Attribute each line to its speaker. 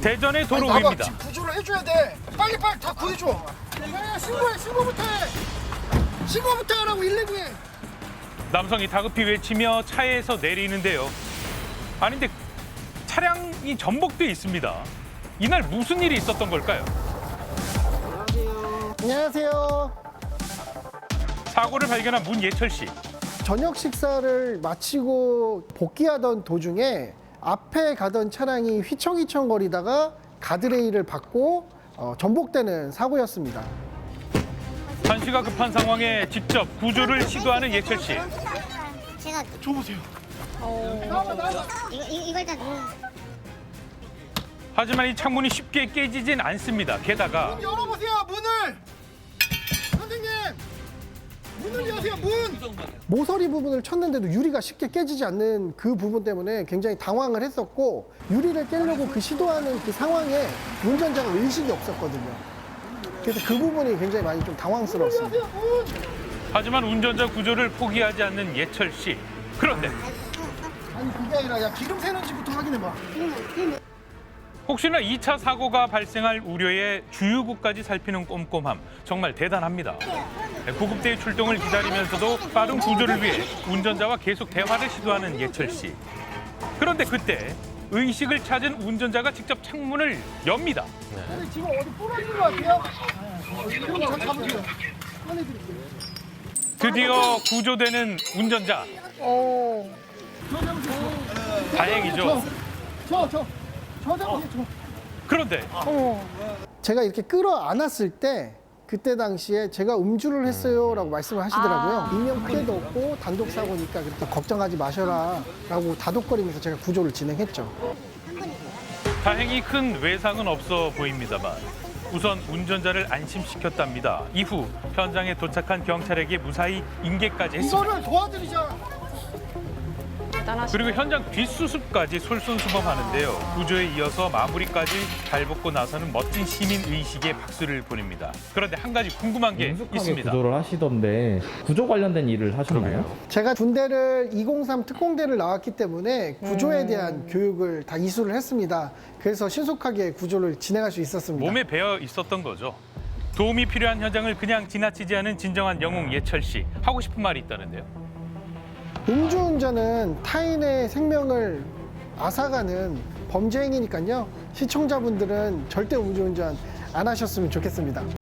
Speaker 1: 대전의 도로
Speaker 2: 나봐,
Speaker 1: 위입니다.
Speaker 2: 지금 구조를 해줘야 돼. 빨리 다 구해줘. 야, 신고해, 신고부터 해. 신고부터 하라고 119에.
Speaker 1: 남성이 다급히 외치며 차에서 내리는데요. 아니 근데 차량이 전복돼 있습니다. 이날 무슨 일이 있었던 걸까요?
Speaker 2: 안녕하세요.
Speaker 1: 사고를 발견한 문예철 씨.
Speaker 2: 저녁 식사를 마치고 복귀하던 도중에 앞에 가던 차량이 휘청휘청 거리다가 가드레일을 받고 전복되는 사고였습니다.
Speaker 1: 한시가 급한 상황에 직접 구조를 시도하는 예철 씨.
Speaker 3: 제가
Speaker 2: 줘보세요.
Speaker 3: 이거 일단
Speaker 1: 하지만 이 창문이 쉽게 깨지진 않습니다. 게다가
Speaker 2: 열어보세요, 문을. 선생님, 문을 여세요, 문. 모서리 부분을 쳤는데도 유리가 쉽게 깨지지 않는 그 부분 때문에 굉장히 당황을 했었고, 유리를 깨려고 그 시도하는 그 상황에 운전자가 의식이 없었거든요. 그래서 그 부분이 굉장히 많이 좀 당황스러웠습니다.
Speaker 1: 하지만 운전자 구조를 포기하지 않는 예철 씨. 그런데
Speaker 2: 아니 그게 아니라 야 기름 새는지부터 확인해봐.
Speaker 1: 혹시나 2차 사고가 발생할 우려에 주유구까지 살피는 꼼꼼함 정말 대단합니다. 구급대의 출동을 기다리면서도 빠른 구조를 위해 운전자와 계속 대화를 시도하는 예철 씨. 그런데 그때 의식을 찾은 운전자가 직접 창문을 엽니다.
Speaker 2: 근데 지금 어디 부러진 것 같아요? 그럼 저 잡으세요. 꺼내드릴게요.
Speaker 1: 드디어 구조되는 운전자.
Speaker 2: 저 잡으세요.
Speaker 1: 다행이죠.
Speaker 2: 저 잡으세요.
Speaker 1: 그런데
Speaker 2: 제가 이렇게 끌어안았을 때 그때 당시에 제가 음주를 했어요라고 말씀을 하시더라고요. 인명 피해도 없고 단독 사고니까 그렇게 걱정하지 마셔라라고 다독거리면서 제가 구조를 진행했죠.
Speaker 1: 다행히 큰 외상은 없어 보입니다만 우선 운전자를 안심시켰답니다. 이후 현장에 도착한 경찰에게 무사히 인계까지 했습니다.
Speaker 2: 이거를 도와드리자.
Speaker 1: 그리고 현장 뒷수습까지 솔선수범하는데요. 구조에 이어서 마무리까지 잘 벗고 나서는 멋진 시민 의식에 박수를 보냅니다. 그런데 한 가지 궁금한 게
Speaker 4: 능숙하게
Speaker 1: 있습니다.
Speaker 4: 구조를 하시던데 구조 관련된 일을 하셨나요?
Speaker 2: 제가 군대를 203 특공대를 나왔기 때문에 구조에 대한 교육을 다 이수를 했습니다. 그래서 신속하게 구조를 진행할 수 있었습니다.
Speaker 1: 몸에 배어 있었던 거죠. 도움이 필요한 현장을 그냥 지나치지 않은 진정한 영웅 예철 씨. 하고 싶은 말이 있다는데요.
Speaker 2: 음주운전은 타인의 생명을 앗아가는 범죄 행위니까요. 시청자분들은 절대 음주운전 안 하셨으면 좋겠습니다.